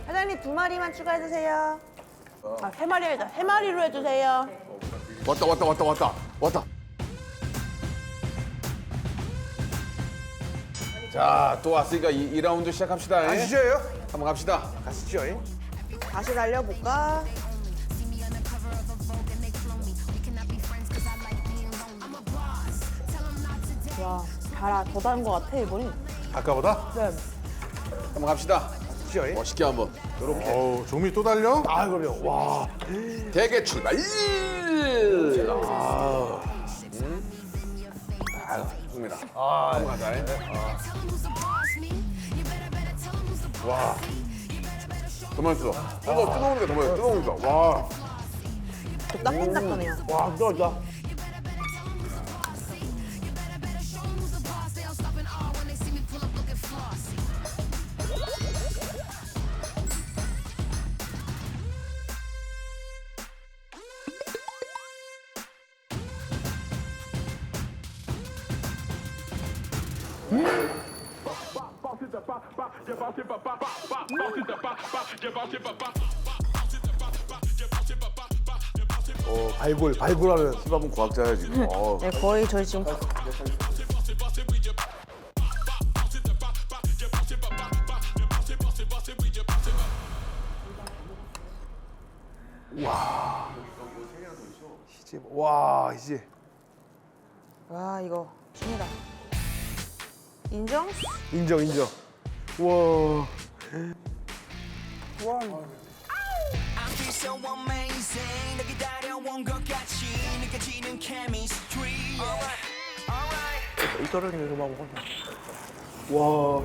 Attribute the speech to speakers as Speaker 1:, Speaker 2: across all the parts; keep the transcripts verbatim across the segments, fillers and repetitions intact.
Speaker 1: 사장님 두 마리만 추가해 주세요. 아, 세 마리 해자. 세 마리로 해주세요.
Speaker 2: 왔다 왔다 왔다 왔다 왔다. 자, 또 왔으니까 이, 이 라운드 시작합시다. 예?
Speaker 3: 가시죠요?
Speaker 2: 한번 갑시다.
Speaker 3: 가시죠. 예?
Speaker 1: 다시 달려볼까? 와, 달아. 더 다른 것 같아, 이번이.
Speaker 3: 아까보다?
Speaker 1: 네.
Speaker 2: 한번 갑시다.
Speaker 3: 가시죠. 예?
Speaker 2: 멋있게 한번. 요렇게.
Speaker 4: 어우, 종미 또 달려?
Speaker 3: 아, 그럼요. 와.
Speaker 2: 대게 출발. 아, 음. 아, 좋습니다.
Speaker 3: 아,
Speaker 2: 한번 가자. 예? 와. 더 맛있어. 뜨거, 뜨거우니까 더 맛있어. 뜨거우니까. 와.
Speaker 1: 또 따끈따끈해요.
Speaker 3: 와, 뜨거웠다. 어, 발굴, 발굴하는.
Speaker 2: 힙합은 과학자야, 지금. 어.
Speaker 1: 네, 거의 저희 지금
Speaker 3: 이제, 와, 이제.
Speaker 1: 와 이거 줍니다. 인정?
Speaker 3: 인정, 인정. 와.
Speaker 5: I feel so amazing 너 기다려온 것 같이 느껴지는 chemistry Alright
Speaker 3: 이거를 이거 봐 먹었네.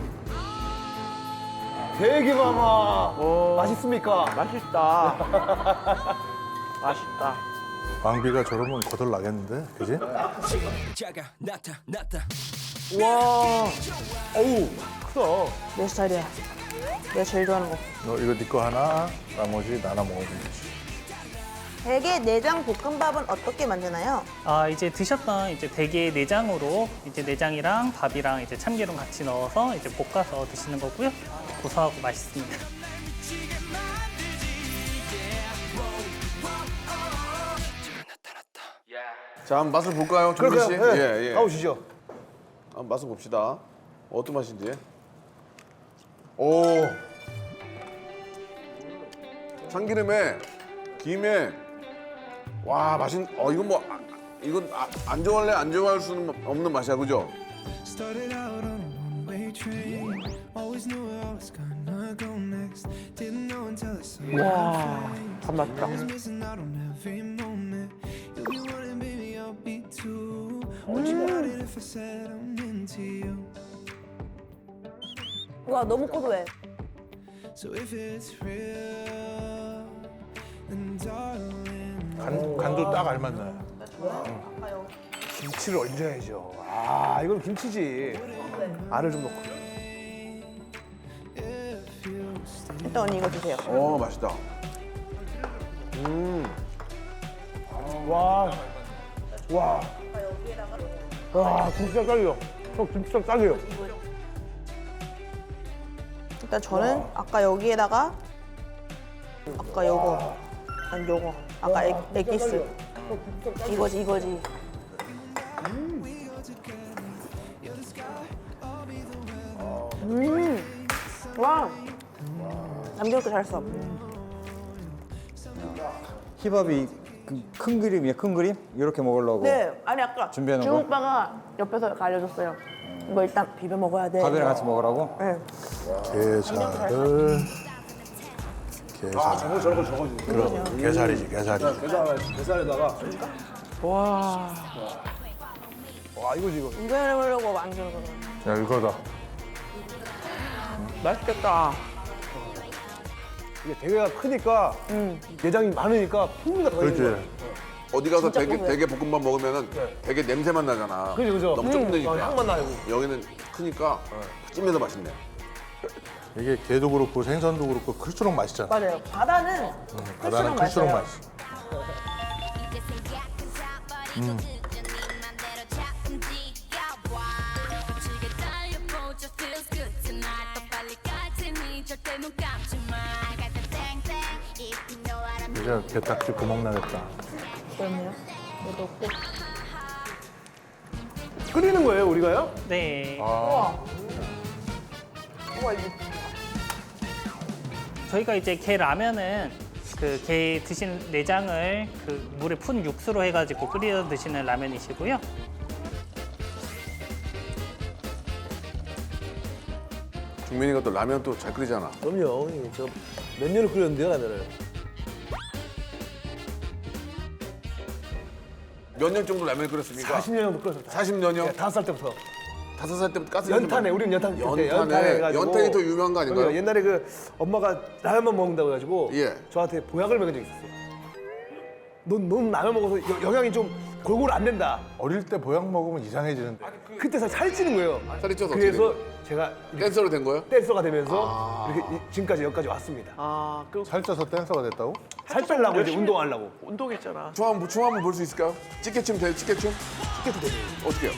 Speaker 3: 와. 되게 많아. 맛있습니까? 맛있다. 맛있다.
Speaker 4: 왕비가 저러면 거덜 나겠는데, 그지?
Speaker 5: 자가 나타났다
Speaker 3: 와. 어우, 크다.
Speaker 1: 내 스타일이야. 내가 제일 좋아하는 거.
Speaker 4: 너 이거 네 거 하나, 나머지 나눠 먹으면 되지.
Speaker 1: 대게 내장 볶음밥은 어떻게 만드나요?
Speaker 6: 아 이제 드셨던 이제 대게 내장으로 이제 내장이랑 밥이랑 이제 참기름 같이 넣어서 이제 볶아서 드시는 거고요. 고소하고 맛있습니다.
Speaker 2: 자, 한번 맛을 볼까요, 종민 씨?
Speaker 3: 그럴까요? 네.
Speaker 2: 예, 예.
Speaker 3: 가보시죠.
Speaker 2: 한번 맛을 봅시다. 어떤 맛인지. 오. 참기름에, 김에, 와, 맛있, 어, 이건 뭐, 아, 이건 아, 안 좋아할래? 안 좋아할 수는 없는 맛이야, 그죠?
Speaker 7: Started out on a one-way train. Always knew where I was gonna go next. Didn't know until I saw you.
Speaker 3: 와, 밥 맛있다.
Speaker 7: Was missing out on every moment. You'll be one and baby, I'll be two. Would you doubt it if I said I'm into you?
Speaker 1: 와 너무 고소해.
Speaker 7: So if it's real, then darling.
Speaker 4: 간, 간도 딱 알맞네.
Speaker 3: 김치를 얹어야죠. 아, 이건 김치지. 알을 좀 넣고.
Speaker 1: 일단 언니 이거 주세요.
Speaker 2: 어, 맛있다.
Speaker 3: 와. 와. 와, 김치랑 딸려. 형, 김치랑 딸려요.
Speaker 1: 일단 저는 아까 여기에다가 아까 요거 아니 요거 아까 엑, 엑기스 이거지 이거지. 음. 와. 남겨놓고 잘했어.
Speaker 8: 힙합이 그 큰 그림이야, 큰 그림? 이렇게 먹으려고.
Speaker 1: 네, 아니 아까
Speaker 8: 준비해 놓은
Speaker 1: 중
Speaker 8: 거?
Speaker 1: 오빠가 옆에서 이렇게 알려줬어요. 이거 일단 비벼 먹어야 돼.
Speaker 8: 밥이랑 같이 먹으라고?
Speaker 1: 네.
Speaker 4: 게살을. 게살.
Speaker 3: 아, 저거 저거 저거.
Speaker 4: 그럼 게살이지, 게살이.
Speaker 3: 계산 계산에다가. 와. 와, 이거지 이거.
Speaker 1: 이거 해보려고 만든 거는.
Speaker 4: 야, 이거다.
Speaker 1: 맛있겠다.
Speaker 3: 이게 대게가 크니까 내장이 많으니까 풍미가 더 있는
Speaker 4: 그렇지.
Speaker 3: 거야.
Speaker 2: 어디 가서
Speaker 1: 진짜
Speaker 2: 대게,
Speaker 1: 고소해.
Speaker 2: 대게 볶음밥 먹으면은 되게 냄새만 나잖아.
Speaker 3: 그죠, 그죠.
Speaker 2: 너무
Speaker 3: 음,
Speaker 2: 좁으니까.
Speaker 3: 어, 향만 나고.
Speaker 2: 여기는 크니까 찜해서 맛있네.
Speaker 4: 이게 게도 그렇고 생선도 그렇고 클수록 맛있잖아.
Speaker 1: 맞아요. 바다는
Speaker 4: 바다는
Speaker 1: 클수록
Speaker 4: 클수록
Speaker 1: 맛있어요.
Speaker 4: 맛있어.
Speaker 9: 절대 눈 감지 마. I got the thing thing. If you know what I'm
Speaker 4: 이제 게딱지 구멍 나겠다.
Speaker 1: 그렇네요. 이거 넣고.
Speaker 3: 끓이는 거예요, 우리가요?
Speaker 6: 네.
Speaker 1: 우와. 우와, 이거.
Speaker 6: 저희가 이제 게 라면은 그 게 드신 내장을 그 물에 푼 육수로 해가지고 끓여 드시는 라면이시고요.
Speaker 2: 중민이가 또 라면 또 잘 끓이잖아.
Speaker 3: 그럼요. 저 몇 년을 끓였는데요, 라면을.
Speaker 2: 몇 년 정도 라면을 끓였습니까?
Speaker 3: 사십 년 정도 끓였어요.
Speaker 2: 사십 년이요?
Speaker 3: 네, 다섯 살 때부터.
Speaker 2: 다섯 살 때부터 가스
Speaker 3: 연탄에, 우리는 연탄.
Speaker 2: 연탄에.
Speaker 3: 연탄에 해가지고.
Speaker 2: 연탄이 더 유명한 거 아닌가요?
Speaker 3: 그러니까 옛날에 그 엄마가 라면만 먹는다고 해가지고
Speaker 2: 예.
Speaker 3: 저한테 보약을 먹은 적이 있었어요. 넌, 넌 라면 먹어서 여- 영양이 좀 골고루 안 된다.
Speaker 4: 어릴 때 보약 먹으면 이상해지는데.
Speaker 3: 그때 살- 살이 찌는 거예요.
Speaker 2: 살이 쪄서 어떻게
Speaker 3: 그래서
Speaker 2: 된
Speaker 3: 제가 이렇게
Speaker 2: 댄서로 된 거예요?
Speaker 3: 댄서가 되면서 이렇게 이- 지금까지 여기까지 왔습니다.
Speaker 1: 아, 그
Speaker 4: 살쪄서 댄서가 됐다고?
Speaker 3: 살 빼려고 이제 운동하려고.
Speaker 1: 운동했잖아.
Speaker 2: 춤 한번, 춤 한번 볼 수 있을까요? 찌개춤 돼요, 찌개춤?
Speaker 3: 찌개도 되네.
Speaker 2: 어떻게 해요?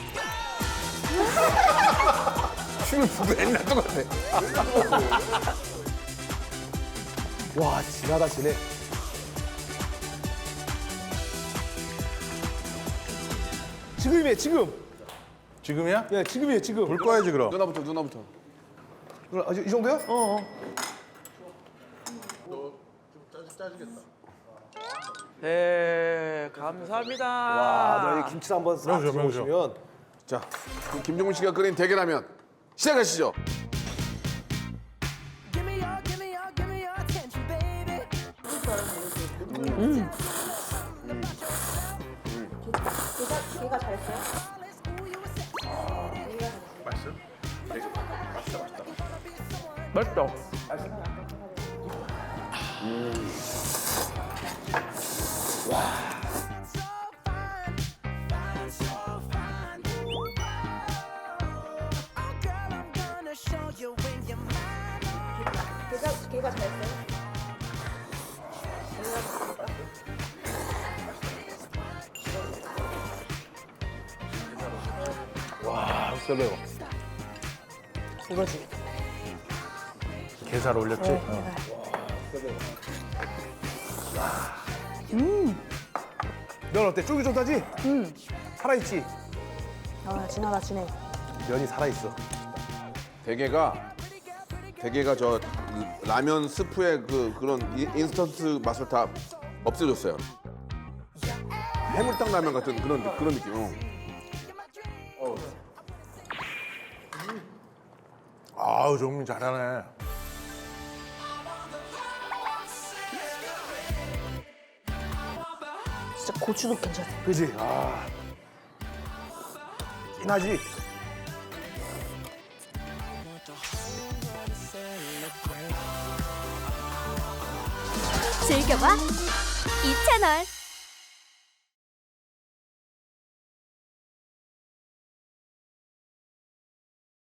Speaker 2: 춤을 보고 옛날 똑같아.
Speaker 3: 와, 진하다, 진해. 지금이에요, 지금.
Speaker 4: 지금이야?
Speaker 3: 예, 지금이에요, 지금.
Speaker 4: 볼 거야지 그럼.
Speaker 2: 누나부터, 누나부터.
Speaker 3: 누나, 아, 이 정도요? 어, 어.
Speaker 1: 네, 감사합니다.
Speaker 3: 와, 누나 이 김치 한번 싹
Speaker 4: 명수, 명수.
Speaker 3: 드셔보시면.
Speaker 2: 자, 그럼 김종민 씨가 끓인 대게라면 시작하시죠.
Speaker 5: Give me your, give me your, give me your attention, baby.
Speaker 1: 걔가, 걔가 잘했어요?
Speaker 3: 맛있다.
Speaker 5: Oh, girl, I'm gonna show you when you're mine.
Speaker 1: 걔가, 걔가 잘했어요?
Speaker 3: 와, 셀러요.
Speaker 1: 이거지.
Speaker 4: 게살 올렸지?
Speaker 3: 네.
Speaker 4: 어.
Speaker 3: 면 어때? 쫄깃쫄깃하지? 응. 살아있지?
Speaker 1: 아, 진하다, 진해.
Speaker 3: 면이 살아있어.
Speaker 2: 대게가 대게가 저 라면 스프의 그 그런 인- 인스턴트 맛을 다 없애줬어요. 해물탕 라면 같은 그런 느- 그런 느낌. 어.
Speaker 4: 아우 정민 잘하네.
Speaker 1: 진짜 고추도 괜찮아.
Speaker 3: 그지? 아. 진하지?
Speaker 9: 즐겨봐 이 채널.